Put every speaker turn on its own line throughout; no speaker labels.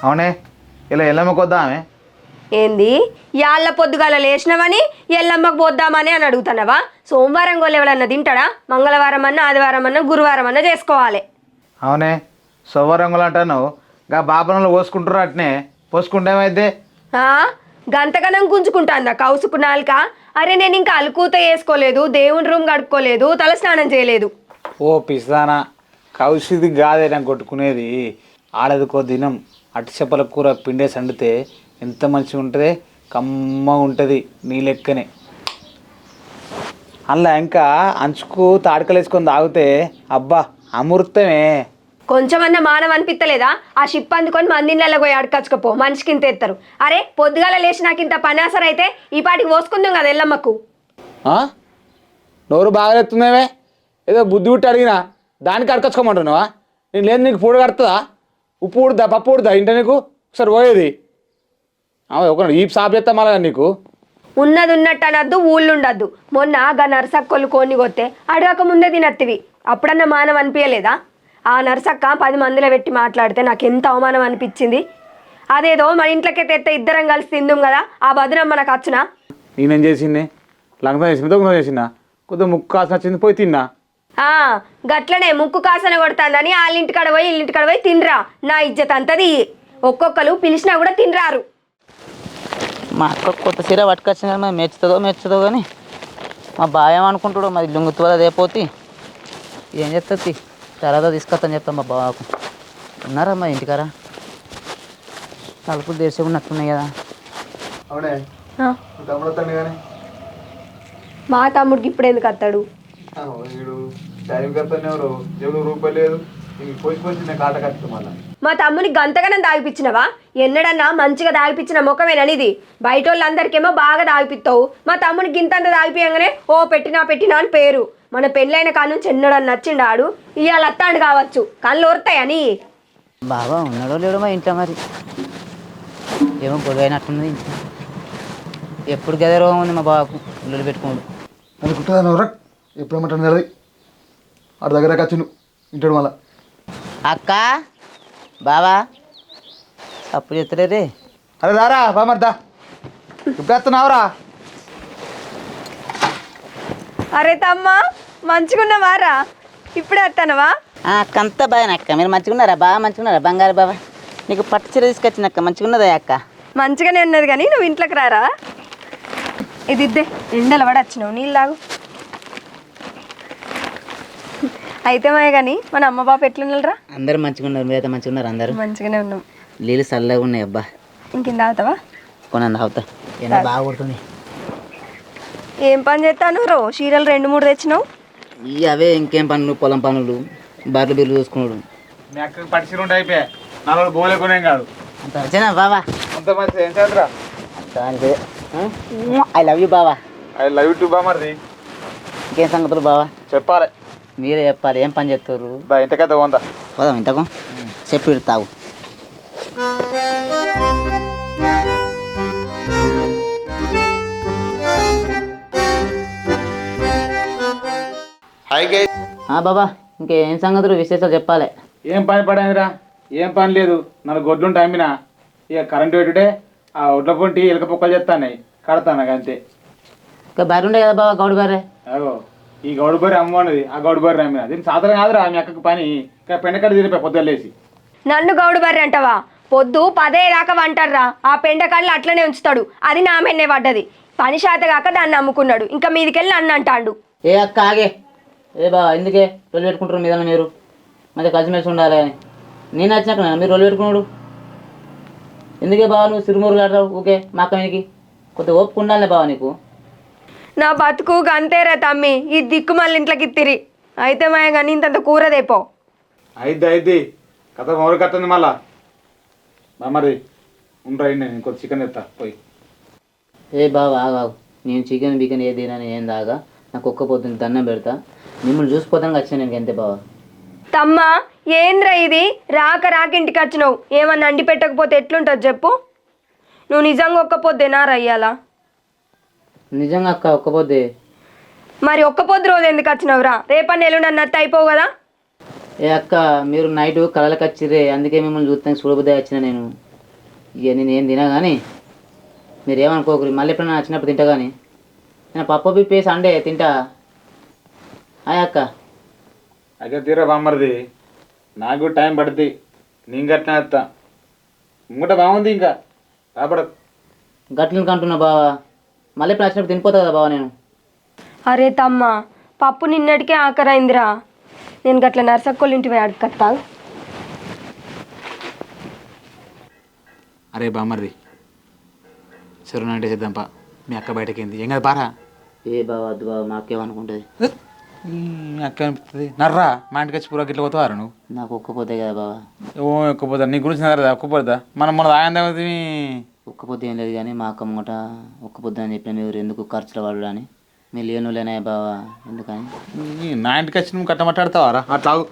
అవునే ఇలా ఎల్లమ్మకి వద్దామే.
ఏంది యాళ్ళ పొద్దుగాల లేచినవని ఎల్లమ్మకు పోద్దామని అని అడుగుతున్నావా? సోమవారం గోళ్ళు ఎవడన్నా తింటాడా? మంగళవారం అన్నా ఆదివారం అన్నా గురువారం అన్నా చేసుకోవాలి.
అవునే సోమవారంగులు అంటాను గా బాపనలు పోసుకుంటారు అట్నే పోసుకుంటే ఏమైద్ది?
ఆ, గంతగనం గుంజుకుంటాందా కౌసుకు నాలుక? అరే నేను ఇంకా అలుకూత వేసుకోలేదు, దేవుని రూమ్ కడుక్కోలేదు, తల స్నానం చేయలేదు.
ఓ పిస్తానా కౌసిది కాదే నాకు కొట్టుకునేది. ఆడదికో దినం అట్టి చేపల కూర పిండేసి వండితే ఎంత మంచిగా ఉంటుంది, కమ్మగా ఉంటుంది నీ లెక్కనే. అలా ఇంకా అంచుకు తాడికలు వేసుకొని తాగితే అబ్బా అమృతమే.
కొంచెమన్నా మానవ అనిపిస్తలేదా? ఆ షిప్ అందుకొని మందిళ్ళలో పోయి అడకచ్చుకపో, మనిషికి ఇంత ఎత్తారు. అరే పొద్దుగాల లేచి నాకు ఇంత పనాసర అయితే ఈ పాటికి పోసుకుందాం కదా ఎల్లమ్మకు.
నోరు బాగా ఎత్తుందేమే, ఏదో బుద్ధి పుట్టి అడిగినా దానికి అడకచ్చుకోమంటున్నావా? నేను లేదు నీకు పూడ కడుతుందా? ఉప్పు ఉడుదా పప్పు ఉడుదా ఇంట నీకు ఒకసారి పోయేది ఒక ఈ సాపు చేస్తా మళ్ళా నీకు.
ఉన్నది ఉన్నట్టు అనద్దు, ఊళ్ళు ఉండద్దు. మొన్న గా నరసక్కోళ్ళు కోన్ని కొత్తే అడగక ముందే తినత్తివి, అప్పుడన్నా మానవ అనిపించలేదా? ఆ నరసక్క 10 మందిలో పెట్టి మాట్లాడితే నాకు ఎంత అవమానం అనిపించింది. అదేదో మన ఇంట్లోకే తెస్తే ఇద్దరం కలిసి తిందుం కదా, ఆ బదునం మనకు వచ్చునా?
నేనేం చేసింది? లంగం చేసింది దొంగ చేసిందా? కొద్దిగా ముక్కు కాసిన వచ్చింది పోయి తిన్నా.
గట్లనే ముక్కు కాసన కొడుతుందని వాళ్ళింటికాడ పోయి ఇల్లింటికాడ పోయి తినరా. నా ఇజ్జత్ అంతది. ఒక్కొక్కరు పిలిచినా కూడా తినరారు.
మా అక్క కొత్త చీర పట్టుకొచ్చింది కానీ మరి మెచ్చుతుందో కానీ మా బావ ఏమనుకుంటాడు మరి లొంగుతుందో అదేపోతే ఏం చెప్తుంది తర్వాత తీసుకొస్తాను చెప్తాను మా బావకు. ఉన్నారా మా ఇంటికారా? తలుపులు తెరిచి ఉన్నట్టున్నాయి కదా.
అవునే
మా తమ్ముడికి ఇప్పుడు ఎందుకు వస్తాడు?
రూపాయలు లేదు కాట కట్టు మళ్ళీ.
మా తమ్ముని గంతగానం దాగిపించినవా? ఎన్నడన్నా మంచిగా దాగిపించిన ముఖమేననిది. బయట వాళ్ళందరికేమో బాగా దాగిపిస్తావు, మా తమ్ముని గింతంత దాగిపోయంగానే ఓ పెట్టినా అని పేరు. మన పెళ్ళైన కాడ నుంచి ఎన్నడన్నా నచ్చిండాడు, ఇవాళ అత్తాడు కావచ్చు, కళ్ళు ఓరుతాయని.
బాబా ఉన్నాడో లేడో మా ఇంట్లో మరి ఏమో గొడవైనట్టున్నది. ఎప్పుడు గదే రోగం ఉంది మా బావకు, ఇల్లు పెట్టుకోడు.
అది కుట్టదా ఎప్పుడు ఏమంటాను అది ఆడ దగ్గర కచ్చిను ఇంటాడు మళ్ళా.
అక్క బావా అప్పుడు చెప్తలేరే.
అరే దారా బామర్దా ఇప్పుడు వస్తున్నావురా?
అరే తమ్మ మంచిగున్నవారా? ఇప్పుడే వస్తానవా?
అక్క అంతా బాగా అక్క, మీరు మంచిగున్నారా? బాగా మంచిగున్నారా బంగారు బాబా? నీకు పట్టు చీర తీసుకొచ్చిన అక్క, మంచిగున్నదా అక్క?
మంచిగానే ఉన్నది కానీ నువ్వు ఇంట్లోకి రారా. ఇది ఇద్దే, ఎండలు పడి వచ్చినావు, నీళ్ళు తాగు. అయితే మాయ కానీ మన అమ్మ బాబు ఎట్లున్నారా?
అందరూ మంచిగా ఉన్నారు, మీరైతే మంచిగా ఉన్నారు? అందరూ
మంచిగానే ఉన్నాం.
నీళ్ళు చల్లగా ఉన్నాయి అబ్బా.
ఇంకింద తాగుతావా?
కొనండి తాగుతా, ఎండ బాగా కొడుతుంది.
ఏం పని చేస్తాను రో? చీరలు 2-3 తెచ్చినావు.
అవే ఇంకేం పనులు, పొలం పనులు, బర్రెలు బిర్లు చూసుకున్నాడు.
మీ అక్కడికి పట్టిసీరు ఉంటే అయిపోయా, 4 గోలే కొనేం కాదు.
అంత వచ్చేనా బావా?
అంత మంచి ఏం చేద్దరా?
అంతే. ఐ లవ్ యూ బావా.
ఐ లవ్ యూ టు బామర్ది.
ఇంకేం సంగతులు బావా?
చెప్పాలి,
మీరే చెప్పాలి. ఏం పని చేస్తారు?
ఇంతకైతే పోందా
పోదాం ఇంతకు చెప్పి తాగు. బాబా ఇంకేం సంగతులు విశేషాలు చెప్పాలి.
ఏం పని పడేదిరా? ఏం పని లేదు, 4 గొడ్లు ఉంటాయి అమ్మినా. ఇక కరెంటు పెట్టుడే ఆ ఒడ్ల పొంటి ఎలక పొక్కలు చెప్తాన్నాయి, కడతాను అంతే.
ఇంకా బర్రె ఉండే కదా బాబా, గౌడు బర్రె.
అగో ఈ గౌడు బర్రె అమ్మన్నది, ఆ గౌడు బర్రె అమ్మినా. దీనికి సాధారణ కాదురా మీ అక్కకి పని. ఇంకా పెండకడ తిరిగిపోయి పొద్దులేసి.
నన్ను గౌడు బర్రె అంటావా? పొద్దు 10 దాకా వంటారా, ఆ పెండకాళ్ళు అట్లనే ఉంచుతాడు. అది నా మెన్నే పడ్డది. పని శాత కాక దాన్ని అమ్ముకున్నాడు, ఇంకా మీదికెళ్ళి నన్ను అంటాడు.
ఏ అక్క ఆగే, ఏ బాబా ఎందుకే రొల్లు పెట్టుకుంటారు మీద? మీరు మధ్య కలిసిమెలిసి ఉండాలి అని నేను వచ్చినాక మీరు రొల్లు పెట్టుకున్నాడు ఎందుకే బాబా? నువ్వు సిరుమూరు ఆడతావు ఓకే, మా అక్క మీదకి కొద్దిగా ఓపిక ఉండాలి బాబా నీకు.
నా బతుకు అంతేరా తమ్మి, ఈ దిక్కు మళ్ళీ ఇంట్లోకి ఇత్తిరి. అయితే మాయ కానీ ఇంతంత కూరదేపో.
అయిద్ది కథ మొదలు కట్టింది మళ్ళా. మరి ఉండరా, నేను ఇంకో చికెన్ తెస్తా పోయి.
ఏ బాబా ఆగావు, నేను చికెన్ బికెన్ ఏ తినని ఏం దాగా నాకు ఒక్క పొద్దున్న దండం పెడతా. మిమ్మల్ని చూసిపోతానికి వచ్చాను నేను అంతే బాబా.
తమ్మా ఏంద్రా ఇది? రాక ఇంటికి వచ్చినావు, ఏమన్నా అండి పెట్టకపోతే ఎట్లుంటుంది చెప్పు? నువ్వు నిజంగా ఒక్క పొద్దేనా రయ్యాలా?
నిజంగా అక్క ఒక్క పొద్దే.
మరి ఒక్క పొద్దు రోజు ఎందుకు వచ్చినావురా? రేపన్న ఎల్లుండి అన్నట్టు అయిపోవు కదా?
ఏ అక్క మీరు నైట్ కళలకు వచ్చిర్రే, అందుకే మిమ్మల్ని చూస్తానికి చూడబుద్దే వచ్చిన నేను. ఇక నేను ఏం తినా కానీ మీరు ఏమనుకోకరి మళ్ళీ ఎప్పుడైనా వచ్చినప్పుడు తింటా కానీ నేను పప్పు పిప్పి సండే తింటా హాయ్ అక్క.
అయితే తీరా బామ్మరిది నాకు కూడా టైం పడుతుంది నేను గట్టిన వస్తా ఇంకట బాగుంది ఇంకా రాబడదు
గట్లకి అంటున్నా బావా మళ్ళీ ఎప్పుడు వచ్చినప్పుడు తినిపోతా కదా బావా నేను.
అరే తమ్మ పప్పు నిన్నటికే ఆఖరైందిరా. నేను గట్ల నర్సక్కోళ్ళ ఇంటి పోయి అడగత్తా.
అరే బామ్మరిది సరే అంటే చేద్దాంపా మీ అక్క బయటకింది ఏం కదా బారా
ఏ బావా వద్దు బావా మా అక్కేమనుకుంటుంది.
మీ అక్క అనిపిస్తుంది నర్రా మా ఇంటికి వచ్చి పూరా గిట్ల పోతావారు నువ్వు
నాకు ఒక్కపోతే కదా బావా.
ఓ ఒక్కపోతా నీ గురించి నగరదా ఒక్కపోతా మనం మన ఆయంది
ఒక్కపోతే ఏం లేదు కానీ మా అక్క ముంగట ఒక్కపోద్దు అని చెప్పిన మీరు ఎందుకు ఖర్చులు వాడు అని మీరు లేనులేనా బావా ఎందుకని.
నా ఇంటికి వచ్చి నువ్వు కట్టమట్టాడతావారా అట్లా ఆగు.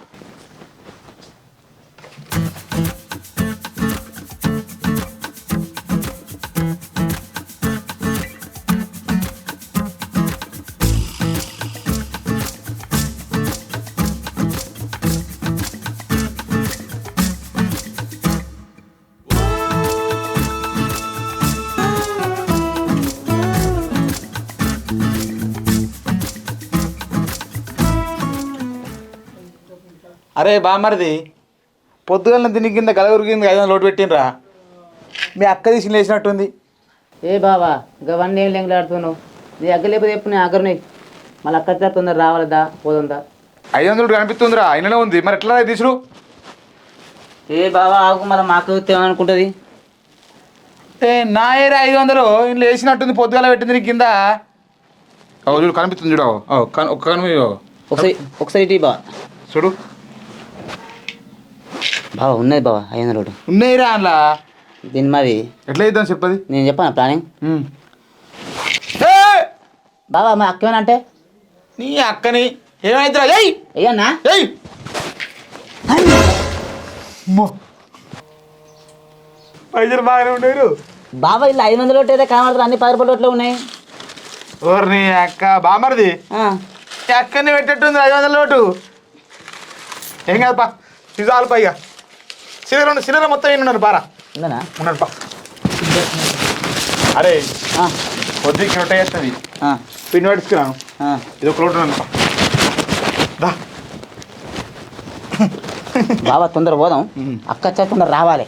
అరే బామ్మరిది పొద్దుగల దీని కింద గలగురు కింద 500 లోటు పెట్టినరా మీ అక్క తీసి లేచినట్టుంది.
ఏ బావా ఇవన్నీ ఏం లెంగలాడుతున్నావు నీ అగ్గ లేకపోతే చెప్పు నేను అగ్గరని మళ్ళీ అక్క తొందర రావాలదా పోతుందా.
500 కనిపిస్తుందిరా అయిననే ఉంది మరి ఎట్లా తీసుడు.
ఏ బావా ఆకు మళ్ళీ మా అక్క ఏమనుకుంటుంది.
ఏ నా ఏరా 500 ఇంట్లో వేసినట్టుంది పొద్దుగాల పెట్టింది నీ కింద చూడు కనిపిస్తుంది చూడు ఒక్క కను
ఒకసారి ఇటీ బావా
చూడు
బావా ఉన్నది బావా 500
ఉన్నాయిరా అందులో.
దీని మరి
ఎట్లా ఇద్దాం చెప్పది
నేను చెప్పాను ప్లానింగ్. బావా మా అక్క ఏమనంటే
నీ అక్కని ఏమైతురా ఏయ్
అయ్యన్నా
ఏయ్ పైసలు బాగానే ఉండేరు.
బాబా ఇలా 500 లోటు అయితే కనబడతారు అన్ని 10 రూపాయల లోట్లు ఉన్నాయి.
ఓర్ నీ అక్క బామరిది ఈ అక్కని పెట్టేట్టుంది 500 లోటు. ఏం కాదుపా సిజాలు పైగా సిలిండర్ మొత్తం ఉన్నారు పారా
ఉందనా
ఉన్నాడు పా. అరే పొద్దుకి రొట్టె చేస్తుంది పిండి పట్టుకురాను ఇది ఒక లోటు ఉన్నాను దా.
బాబా తొందర పోదాం అక్క వచ్చా తొందర రావాలి.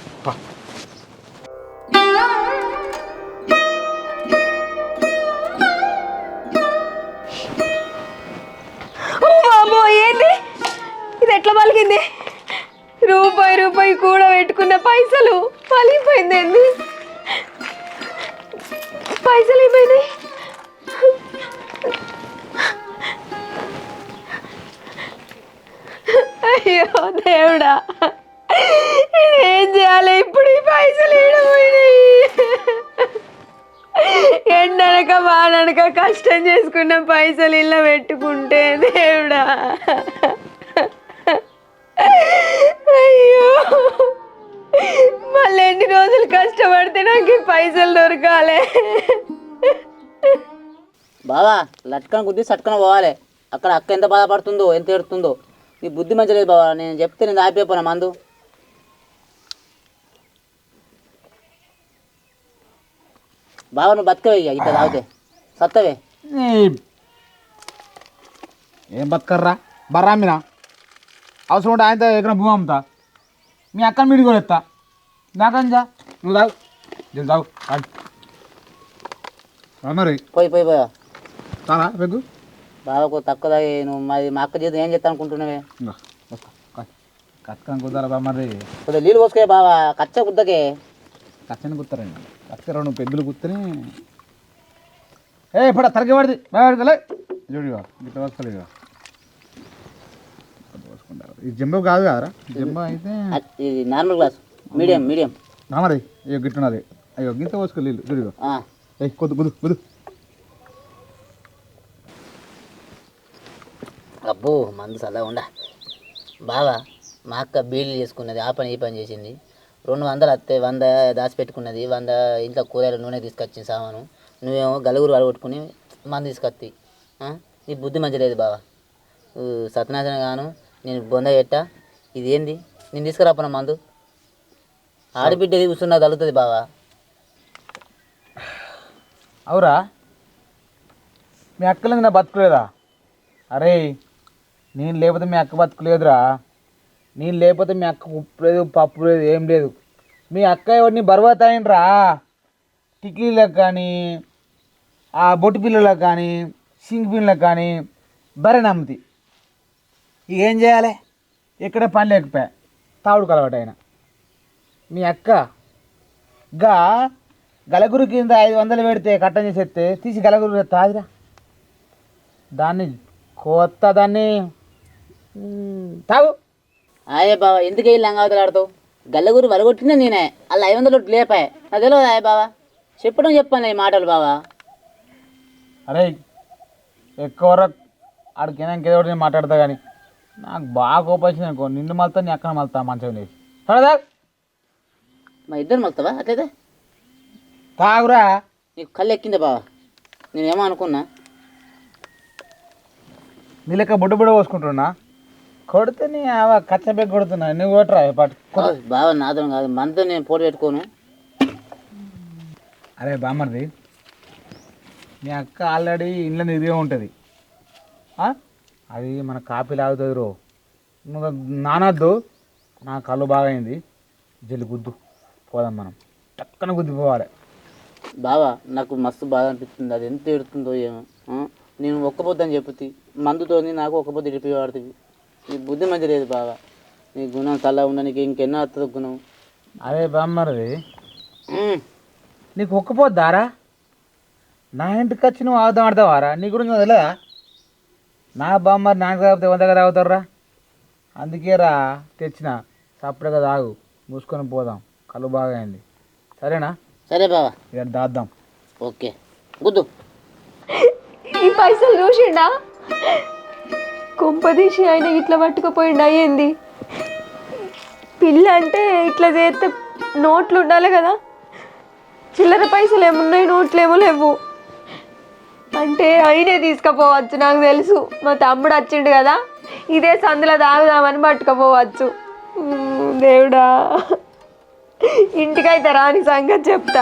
ఏంది ఇది ఎట్లా పలికింది? రూపాయి కూడా పెట్టుకున్న పైసలు పలిగిపోయింది. ఏంది పైసలు అయిపోయినాయి. అయ్యో దేవుడా ఏం చేయాలి ఇప్పుడు? ఈ పైసలు ఏడపోయినాయి. ఎండనక వాననక కష్టం చేసుకున్న పైసలు ఇలా పెట్టుకుంటే దేవుడా. అయ్యో మళ్ళీ ఎన్ని రోజులు కష్టపడితే నాకు ఈ పైసలు దొరకాలి.
బావా లట్కన గుద్ది సట్కన పోవాలి. అక్కడ అక్క ఎంత బాధపడుతుందో ఎంత ఏడుతుందో. నీ బుద్ధి మంచి లేదు బావా. నేను చెప్తే నేను ఆపిపోనా మందు. బావా నువ్వు బతకవే ఇక ఇట్లా తాగితే సత్తవే.
ఏం బతకర్రా బర్రా మీరా అవసరం ఉంటే ఆయనతో ఎక్కడ భూమి అమ్ముతా మీ అక్కని మీడి కూడా ఎత్తా నాకంజా నువ్వు తాగు నేను తాగు మరి
పోయి పోయి పోయా
తారా పెగ్గు
బావకు తక్కువ తాగి నువ్వు మరి మా అక్క చేతి ఏం చేస్తా అనుకుంటున్నావే.
కక్కని కుదరదా మరి
కొద్దిగా నీళ్ళు పోసుకోే బావా కచ్చ గుద్దకే.
కచ్చని కుత్తారండి కచ్చరా నువ్వు పెద్దలు కుత్తని ఇప్పుడు తరగి పడింది బాగా చూడిగా గిట్ట వస్తలేదు ఇది జంబో కాదు కదరా జంబో అయితే
ఇది నార్మల్ గ్లాస్ మీడియం మీడియం
మరి అయ్యో గిట్టున్నది అయ్యో గింత పోసుకో నీళ్ళు చూడిగా కొద్దు కుదు కుదు.
అబ్బో మందు చల్లగా ఉండా. బావా మా అక్క బీళ్ళు చేసుకున్నది ఆ పని ఈ పని చేసింది. 200 వస్తే 100 దాచిపెట్టుకున్నది. 100 ఇంట్లో కూరగాయలు నూనె తీసుకొచ్చింది సామాను. నువ్వేమో గలుగురు వడగొట్టుకుని మందు తీసుకొచ్చి నీ బుద్ధి మంచి లేదు బావా. సత్యనాశనం గాను నేను బొంద పెట్టా. ఇది ఏంది నేను తీసుకురాపన మందు ఆడబిడ్డది కూర్చున్నా తగులుతుంది బావా.
అవురా మీ అక్కలేదు నా బతుకులేదా? అరే నేను లేకపోతే మీ అక్క బతుకులేదురా. నేను లేకపోతే మీ అక్క ఉప్పు లేదు పప్పు లేదు ఏం లేదు. మీ అక్క ఎవరిని బరువతాయినరా టిక్లీలకు కానీ ఆ బొట్టు పిల్లలకు కానీ సింగ్ పిల్లలకు కానీ బరే నమ్ముతి. ఇక ఏం చేయాలి? ఎక్కడ పని లేకపోయా తావుడు కలవాటు అయినా. మీ అక్క గా గలగురు కింద 500 పెడితే కట్టం చేసేస్తే తీసి గలగురు తాదిరా. దాన్ని కొత్త దాన్ని తాగు.
అయ్యే బావా ఎందుకు వెళ్ళి లంగావతలు ఆడతావు? గల్లగురు వరగొట్టినా నేనే అలా 500 లేపాయి. నాకు తెలియదు అయ్య బావా, చెప్పాను ఈ మాటలు బావా.
అరే ఎక్కువ ఆడికైనా ఇంకేదో నేను మాట్లాడతా కానీ నాకు బాగా కోపం వచ్చింది అనుకో, నిన్ను మళ్తా నీ అక్కడ మళ్తా మంచం లేచి. సరేదా
మా ఇద్దరు మలుతావా అట్లయితే?
తాగురా.
నీకు కళ్ళు ఎక్కిందా బావా? నేనేమో అనుకున్నా.
నీ లెక్క బుడ్డ బుడ్డ పోసుకుంటున్నా కొడితే నీ కచ్చబెగ్ కొడుతున్నా. నువ్వు కొట్టరా పాటు.
బావా నాతో కాదు, మనతో నేను పోటీ పెట్టుకోను.
అరే బామ్మర్ది మీ అక్క ఆల్రెడీ ఇంట్లో ఇదిగే ఉంటుంది. అది మన కాపీ లాగుతుంది రో. నువ్వు నానద్దు. నా కళ్ళు బాగా అయింది. జల్లి గుద్దు పోదాం మనం. టక్కన గుద్దిపోవాలి.
బావా నాకు మస్తు బాధ అనిపిస్తుంది. అది ఎంత ఎడుతుందో ఏమో. నేను ఒక్కపోద్దని చెప్పుతి మందుతోని నాకు ఒక్కపోద్దు ఇడిపి వాడుతుంది. నీ బుద్ధి మంచి లేదు బావా. నీ గుణం చల్ల ఉన్న నీకు ఇంకెన్నో వస్తుంది గుణం.
అరే బామ్మర్ది నీకు ఒక్కపోద్దారా? నా ఇంటికి వచ్చి నువ్వు ఆగుదాం ఆడతావారా? నీ గురించి తెలియదా? నా బామ్మర్ నాకు తాగితే 100 తాగుతారా? అందుకే రా తెచ్చిన. సపరేట్గా తాగు, మూసుకొని పోదాం. కళ్ళు బాగా అయింది. సరేనా?
సరే బావా,
ఇక్కడ దాద్దాం.
ఓకే గుద్దు.
ఈ పైసలు చూసిండా? కొంపదీసి ఆయన ఇట్లా పట్టుకుపోయిండా ఏంది? పిల్ల అంటే ఇట్లా చేస్తే నోట్లు ఉండాలి కదా. చిల్లర పైసలు ఏమున్నాయి, నోట్లు ఏమో లేవు. అంటే అయినే తీసుకుపోవచ్చు. నాకు తెలుసు మా తమ్ముడు వచ్చిండు కదా, ఇదే సందులో తాగుదామని పట్టుకుపోవచ్చు. దేవుడా, ఇంటికైతే రాని సంగతి చెప్తా.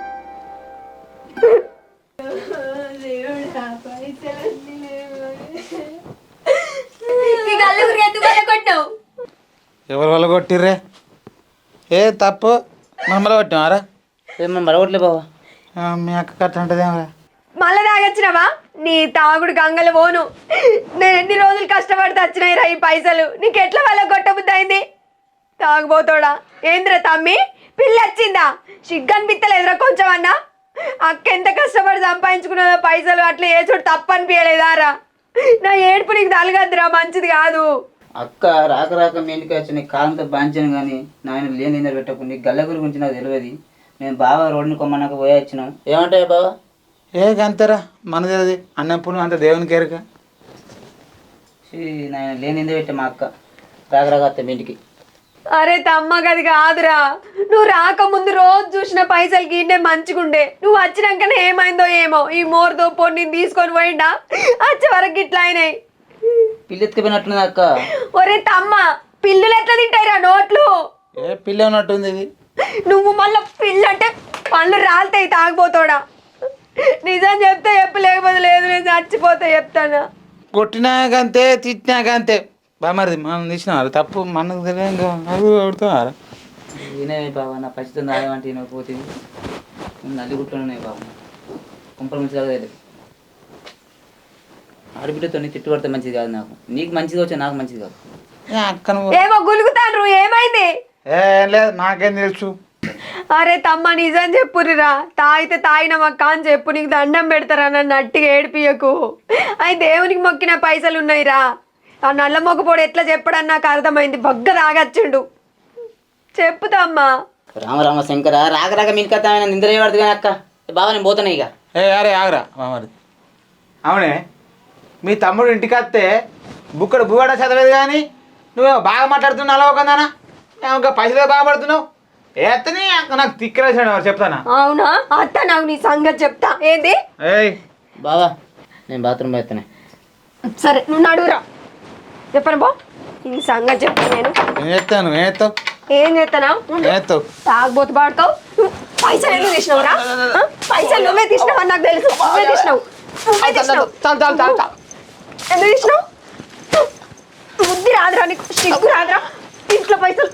ఎవరు వల్ల కొట్టిర్రే? ఏ తప్పు మమ్మల్ని కొట్టినారా?
మనం మరొకట్లే బావా.
మీ అక్క కట్ట అంటదేమరా?
మళ్ళా తాగొచ్చినావా? నీ తాగుడు గంగలు పోను. నేను ఎన్ని రోజులు కష్టపడితే వచ్చినాయి రా ఈ పైసలు. నీకు ఎట్లా వాళ్ళ కొట్టబుద్ధి అయింది? తాగుపోతాడా ఏంద్రా తమ్మి? పిల్ల వచ్చిందా? సిగ్గనిపిత్తలేదురా కొంచెం అన్నా? అక్క ఎంత కష్టపడి సంపాదించుకున్నదో పైసలు. అట్లా ఏ చోటు తప్పు అనిపించలేదా రా? నా ఏడుపు నీకు తలగద్దురా, మంచిది కాదు.
అక్క రాక రాక మీ ఇంటికి వచ్చి నీకు కాలంతో బాంచాను కానీ నాయన లేని నింద పెట్టకు. నీకు గల్లగురి గురించి నాకు తెలియదు. మేము బాగా రోడ్ని కొమ్మన్నాక పోయి వచ్చినాం. ఏమంటాయి బావా?
ఏ అంతరా మనది అది అన్నం పుణ్యం అంత దేవునికి ఎరక.
నాయన లేని నింద పెట్టే మా అక్క రాక రాక వస్తే మీ ఇంటికి.
అరే తమ్మ గది కాదురా, నువ్వు రాకముందు రోజు చూసిన పైసలకి ఇన్నే మంచిగుండే. నువ్వు వచ్చినాకనే ఏమైందో ఏమో, ఈ మోరుతో పొన్ని తీసుకొని పోయిండా వచ్చే వరకు ఇట్లా అయినాయి.
పిల్లి ఎత్తుకుపోయినట్లుంది అక్క.
ఒరే తమ్మ, పిల్లులు ఎట్లా తింటాయిరా నోట్లు?
ఏ పిల్ల ఉన్నట్టుంది ఇది.
నువ్వు మళ్ళీ పిల్లు అంటే పళ్ళు రాలుతాయి తాగిపోతాడా? నిజం చెప్తే చెప్పు, లేకపోతే లేదు. నేను చచ్చిపోతే చెప్తానా?
కొట్టినాకంతే తిట్టినాకంతే బామరిది. మనం తీసినారు తప్పు మనకు తెలియదు. కొడుతున్నారా?
వినవే బాబా, నా పరిస్థితి రాయమంటే నేను పోతుంది. నల్లిగుట్లోనే బాబు కుంపల మంచిగా లేదు. ఆడబిడ్డతో తిట్టుబడితే మంచిది కాదు. నాకు నీకు మంచిది వచ్చా, నాకు మంచిది కాదు.
అక్కను
ఏమో గులుగుతాను. ఏమైంది?
ఏం లేదు, నాకేం తెలుసు.
అరే తమ్మ నిజం చెప్పురిరా. తాగితే తాగినమక్క అని చెప్పు. నీకు దండం పెడతారా? నన్ను అట్టిగా ఏడిపియకు. అవి దేవునికి మొక్కిన పైసలు ఉన్నాయిరా. ఆ నల్ల మొగపోడు ఎట్లా చెప్పడని నాకు అర్థమైంది. బగ్గ తాగచ్చుండు. చెప్పుతమ్మా.
రామరామ శంకర రాక రాక మీ ఇంటికి వస్తామైనా నిద్ర పడుతుంది కానీ అక్క. బాబా నేను పోతాను ఇక.
అరే ఆగరా బామరిది. అవునే మీ తమ్ముడు ఇంటికి వస్తే బుక్కడు బువ్వడ చదవేది కానీ నువ్వేమో బాగా మాట్లాడుతున్నావు. అలా ఒకందానా ఇంకా పైసలు బాగా పడుతున్నావు. ఏతని నాకు తిక్కరేసాడు చెప్తానా?
అవునా అత్త, నాకు నీ సంగతి చెప్తా. ఏంది?
ఏయ్
బాబా నేను బాత్రూమ్ పోతానే.
సరే నువ్వు నడువురా. చెప్పను బా, నీ సంగతి చెప్తా నేను.
ఏం చేస్తావు?
ఏం చేస్తానా?
ఏస్తావు
తాగబోతు పాడుతావు. పైసలు ఎందుకు తీసినావురా పైసలు నువ్వే తీసినావు అని నాకు తెలుసు నువ్వే తీసినావు ఎందుకు తీసినావు బుద్ధి రాదురా నీకు సిగ్గు రాదురా ఇంట్లో పైసలు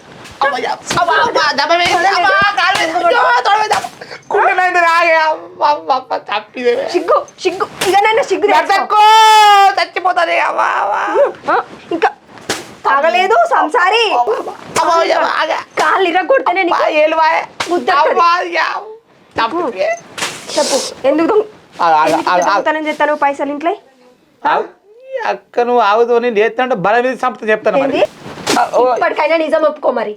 సిగ్గు సిగ్గు ఇకనైనా సిగ్గు
చచ్చిపోతుంది
ఇంకా తాగలేదు సంసారి కాళ్ళు ఇరగొడితేనే నీకు బుద్ధి వస్తది. చెప్పు ఎందుకు దొంగతనం చేస్తాను పైసలు ఇంట్లో
అక్క నువ్వు ఆగుతూ నేను చేస్తానంటే బల మీద సంపద చెప్తాను మరి
ఇప్పటికైనా నిజం ఒప్పుకో మరి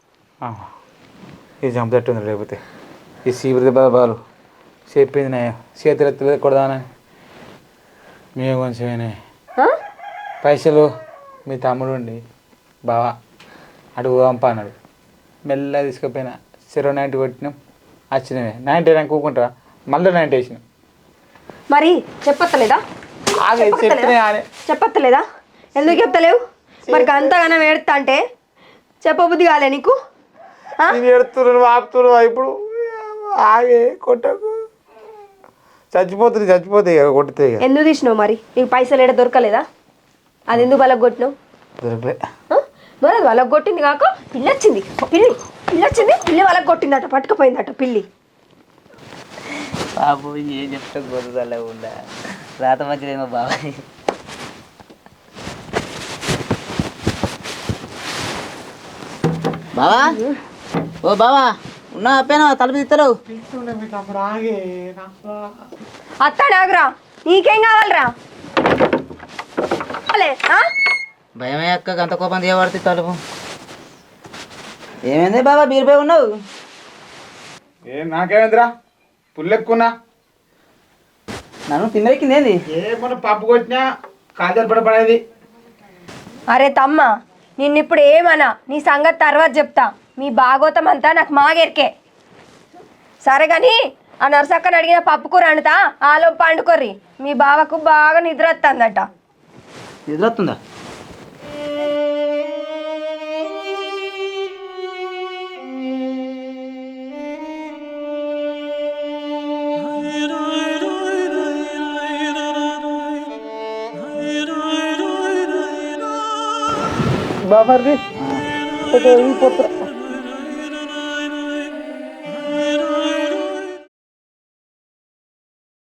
ఇది చంపేట్టుంది లేకపోతే ఈ సీబురి బాబాలు చెప్పింది నే చేతులు ఎత్తలేదు కొడదానని మేము కొంచెమేనే పైసలు మీ తమ్ముడు ఉండి బావా అడుగు పంప అన్నాడు మెల్లగా తీసుకుపోయినా 90 కొట్టినాం వచ్చినవే 90 నాకు కూకుంటారా మళ్ళీ 90 వేసినాం
మరి చెప్పత్తలేదా చెప్పత్తలేదా ఎందుకు చెప్తలేవు మరి అంతగానో ఏడుతా అంటే చెప్పబుద్ధి కాలే నీకు
నేను ఎడుతున్నాను ఆపుతున్నావు ఇప్పుడు ఆగే కొట్టకు చచ్చిపోతాయి కొట్టితే
ఎందుకు తీసినావు మరి నీకు పైసలు ఏడ దొరకలేదా అది ఎందుకు బలకు కొట్టినావు
దొరకలే
మరి అది వాళ్ళకి కొట్టింది కాక పిల్లి వచ్చింది పిల్లి వాళ్ళకి కొట్టిందట పట్టుకుపోయిందట పిల్లి
బాబు ఏం చెప్తా గొర్రెలా ఉందా రాత మంచిదేమో బాబాయ్ బావా ఓ బావా ఉన్నా అప్పేనా తలుపు తీస్తారు
అత్తాడాగురా నీకేం కావాలరా
భయమే అక్క గంత కోపం తీయబడితే తలుపు ఏమైంది బాబా బీరుపై ఉన్నావు
నాకేమైందిరా పుల్లెక్కున్నా
నన్ను తిన్నెక్కింది ఏంది
ఏమన్నా పప్పు కొట్టినా కాజల్ పడేది
అరే తమ్మ నిన్నిప్పుడు ఏమన్నా నీ సంగతి తర్వాత చెప్తా మీ భాగోతం అంతా నాకు మాగెరికే సరే కానీ ఆ నర్సక్కని అడిగిన పప్పు కూర వండుతా ఆలోపు పండుకోర్రి మీ బావకు బాగా నిద్ర వస్తుందట
నిద్ర వస్తుందా
బాబర్ది